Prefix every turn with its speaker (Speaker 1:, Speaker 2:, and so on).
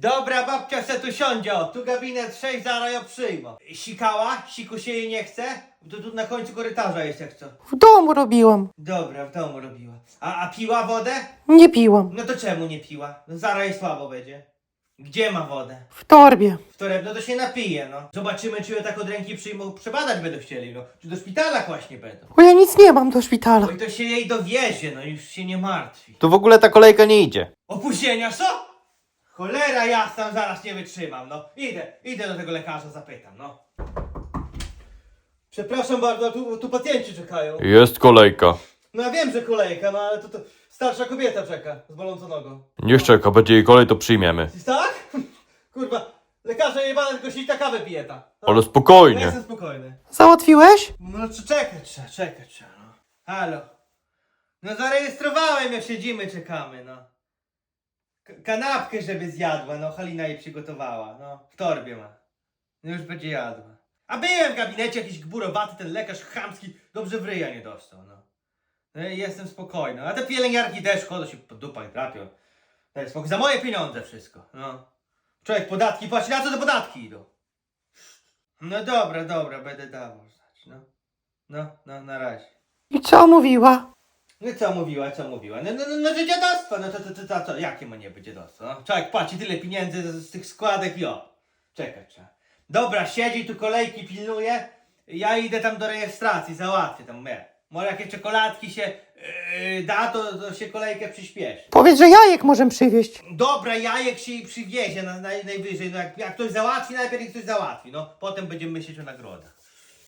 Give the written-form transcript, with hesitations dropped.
Speaker 1: Dobra, babcia se tu siądzie, o, tu gabinet 6, zaraz ją przyjmą. Sikała? Siku się jej nie chce? To tu na końcu korytarza jest jak co.
Speaker 2: W domu robiłam.
Speaker 1: Dobra, w domu robiła. A piła wodę?
Speaker 2: Nie piłam.
Speaker 1: No to czemu nie piła? No zaraz jej słabo będzie. Gdzie ma wodę?
Speaker 2: W torbie.
Speaker 1: W torebno to się napije, no. Zobaczymy, czy ją tak od ręki przyjmą, przebadać będą chcieli, no. Czy do szpitala właśnie będą.
Speaker 2: Bo ja nic nie mam do szpitala.
Speaker 1: Oj, to się jej dowiezie, no już się nie martwi.
Speaker 3: Tu w ogóle ta kolejka nie idzie.
Speaker 1: Opóźnienia co? Cholera jasna, zaraz nie wytrzymam, no. Idę do tego lekarza, zapytam, no. Przepraszam bardzo, tu pacjenci czekają.
Speaker 3: Jest kolejka.
Speaker 1: No ja wiem, że kolejka, no ale to starsza kobieta czeka z bolącą nogą.
Speaker 3: Niech czeka, będzie jej kolej, to przyjmiemy.
Speaker 1: Tak? Kurwa, lekarze jebane tylko sita kawę pije ta. No.
Speaker 3: Ale
Speaker 1: Ja
Speaker 3: spokojnie.
Speaker 1: jestem spokojny.
Speaker 2: Załatwiłeś?
Speaker 1: No czekać trzeba, no. Halo. No zarejestrowałem, jak siedzimy, czekamy, no. Kanapkę, żeby zjadła, no Halina jej przygotowała, no. W torbie ma. No już będzie jadła. A byłem w gabinecie, jakiś gburowaty, ten lekarz chamski, dobrze w ryja nie dostał, no. No i jestem spokojny. A te pielęgniarki też chodzą się po dupach trapią. Daj spokój, za moje pieniądze wszystko, no. Człowiek podatki płaci, na co te podatki idą? No dobra, będę dawał, znać, no. No, na razie.
Speaker 2: I co mówiła?
Speaker 1: No co mówiła? No że dziadostwo, no to co, jakie ma nie być dziadostwo? No? Człowiek płaci tyle pieniędzy z tych składek i o. Czekać trzeba. Dobra, siedzi tu kolejki pilnuje, ja idę tam do rejestracji, załatwię tam, może jakieś czekoladki się da, to się kolejkę przyspieszy.
Speaker 2: Powiedz, że jajek możemy przywieźć.
Speaker 1: Dobra, jajek się jej przywiezie najwyżej, no jak ktoś załatwi, najpierw niech ktoś załatwi, no potem będziemy myśleć o nagrodach.